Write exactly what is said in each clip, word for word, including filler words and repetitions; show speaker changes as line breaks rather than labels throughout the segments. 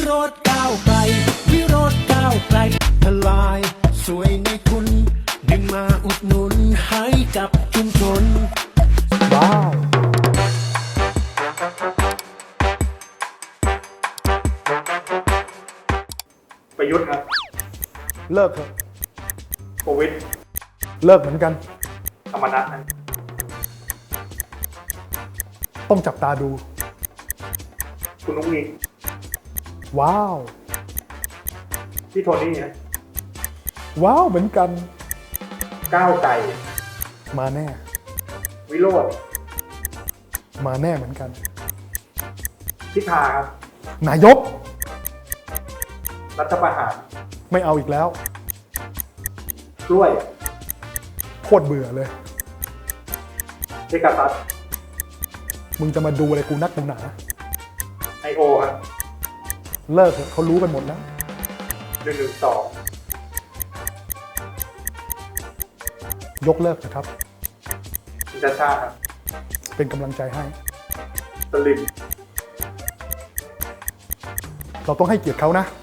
โรจน์ก้าวไกลวิโรจน์ก้าวไกลทลายสวยในคุณดึงมาอุดหนุนให้กับชุมชน
ว้าว
ประยุทธ์ครับ
เลิกเถอะ
โควิด
เลิกเหมือนกัน
ธรรมนัสนะ
ต้องจับตาดู
คุณนุ้งอิง
ว้าว
พี่โทนี่นะ
ว้าวเหมือนกัน
ก้าวไกล
มาแน่
วิโรจน์
มาแน่เหมือนกัน
พิธาครับ
นายก
รัฐประหาร
ไม่เอาอีกแล้ว
กล้วย
โคตรเบื่อเลย
เทกาซัส
มึงจะมาดูอะไรกูนักหนา
ไอโอครับ
เลิกเถอะเขารู้กันหมดแล้ว
หนึ่งหนึ่งสอง
ยกเลิกนะครับ
คุณชาชาครับ
เป็นกำลังใจให้
สลิม
เราต้องให้เกียรติเขานะ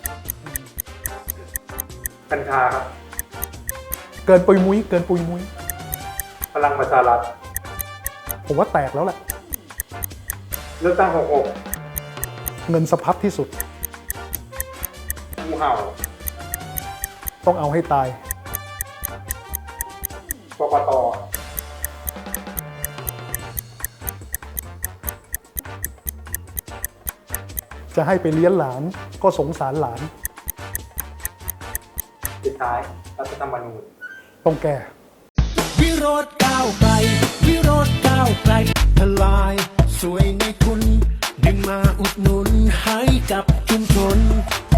กัญชาครับ
เกินปุยมุ้ยเกินปุยมุ้ย
พลังประชารัฐ
ผมว่าแตกแล้วแหละ
เลือกตั้งหกหก
เงินสะพัดที่สุด
งูเห่า
ต้องเอาให้ตาย
กกต.
จะให้ไปเลี้ยงหลานก็สงสารหลาน
สุดท้ายรัฐธรรมนูญ
ต้องแก้
วิโรจน์ก้าวไกลวิโรจน์ก้าวไกลทลายสวยในคุณดึงมาอุดหนุนให้กับชุมชน